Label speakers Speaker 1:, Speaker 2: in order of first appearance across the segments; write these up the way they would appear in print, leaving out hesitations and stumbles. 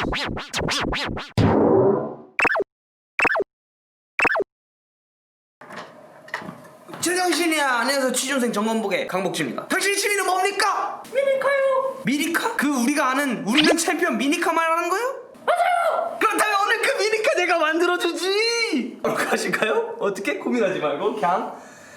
Speaker 1: 제정신이야. 안녕하세요. 취준생 정원복의 강복주입니다. 당신의 취미는 뭡니까? 미니카요. 미니카? 그 우리가 아는 우리는 챔피언 미니카 말하는 거요? 맞아요. 그렇다면 오늘 그 미니카 내가 만들어주지. 바로 가실까요? 어떻게? 고민하지 말고 그냥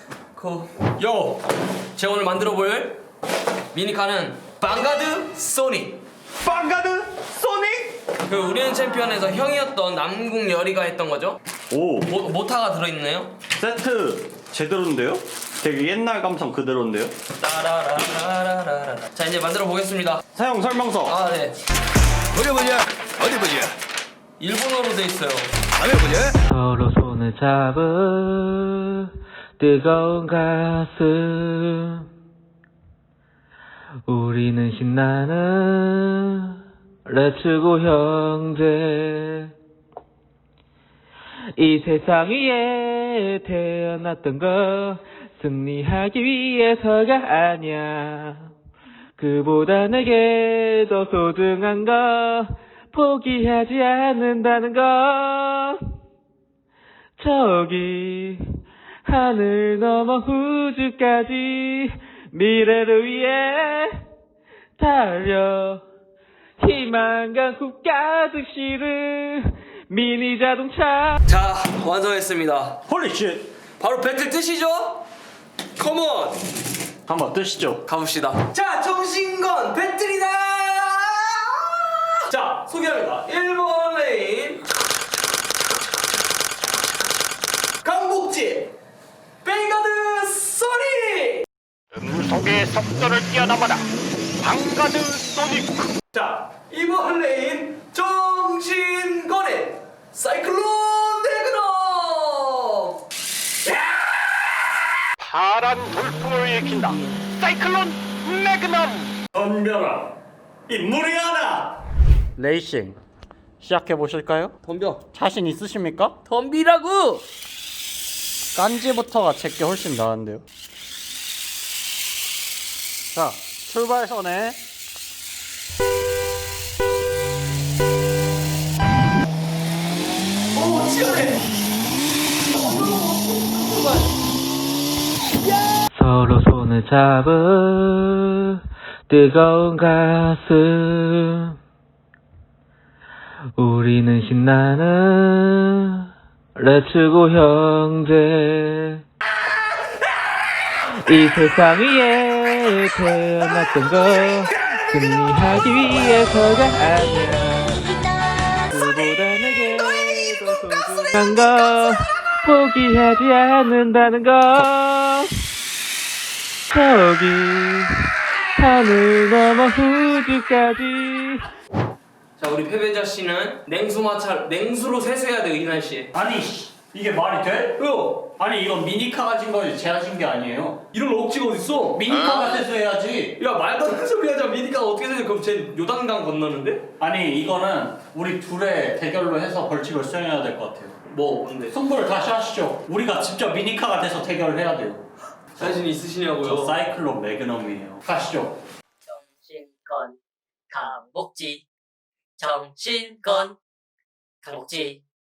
Speaker 1: 제가 오늘 만들어볼 미니카는 방가드 소닉. 방가드 소닉? 그 우리는 챔피언에서 형이었던 남궁 열이가 했던 거죠.
Speaker 2: 오,
Speaker 1: 모타가 들어있네요.
Speaker 2: 세트 제대로인데요? 되게 옛날 감성 그대로인데요?
Speaker 1: 따라라라라라. 자, 이제 만들어 보겠습니다.
Speaker 2: 사용 설명서.
Speaker 1: 아, 네.
Speaker 3: 어디 보자. 어디 보자.
Speaker 1: 일본어로 돼 있어요.
Speaker 3: 다음에 보자.
Speaker 4: 서로 손을 잡은 뜨거운 가슴, 우리는 신나는 레츠고 형제. 이 세상 위에 태어났던 거 승리하기 위해서가 아니야. 그보다 내게 더 소중한 거 포기하지 않는다는 거. 저기 하늘 넘어 우주까지 미래를 위해 달려. 희망과 굽 가득 실은 미니 자동차.
Speaker 1: 자, 완성했습니다.
Speaker 2: 홀리쉣.
Speaker 1: 바로 배틀 뜨시죠? 컴온!
Speaker 2: 한번 뜨시죠.
Speaker 1: 가봅시다. 자, 정신건 배틀이다! 자, 소개합니다. 1번 레인 강복지 뱅가드 소닉.
Speaker 5: 음속의 속도를 뛰어넘어라 방가드 소닉.
Speaker 1: 자, 2번 레인 정신건의 사이클론 네그넘.
Speaker 5: 파란 돌풍을 일으킨다 사이클론 매그넘.
Speaker 2: 덤벼라. 인물이 하나. 레이싱 시작해 보실까요?
Speaker 1: 덤벼.
Speaker 2: 자신 있으십니까?
Speaker 1: 덤비라고.
Speaker 2: 깐지부터가 제게 훨씬 나은데요. 자, 출발선에
Speaker 1: 오, 치열해.
Speaker 4: 서로 손을 잡은 뜨거운 가슴, 우리는 신나는 레츠고 형제. 이 세상 위에 태어났던 거 승리하기 위해서가 아니야. 그보다 내게 더 소중한 거 포기하지 않는다는 거. 저기 하늘 넘어 우주까지.
Speaker 1: 자, 우리 패배자 씨는 냉수로 세수해야 돼요, 이 날씨에.
Speaker 2: 아니 이게 말이 돼?
Speaker 1: 왜요?
Speaker 2: 아니 이건 미니카 가진 걸 제가 진 게 아니에요.
Speaker 1: 이런 억지가 어딨어?
Speaker 2: 미니카가 세수해야지.
Speaker 1: 야, 말도 안 되는 소리 하자. 미니카가 어떻게 세수? 그럼 쟤 요단강 건너는데?
Speaker 2: 아니 이거는 우리 둘의 대결로 해서 벌칙을 수행해야 될 것 같아요.
Speaker 1: 뭔데?
Speaker 2: 승부를 다시 하시죠. 우리가 직접 미니카가 돼서 대결을 해야 돼요.
Speaker 1: 자신 있으시냐고요?
Speaker 2: 저 사이클론 매그넘이에요. 가시죠.
Speaker 6: 정신건 강복지 정신건 강복지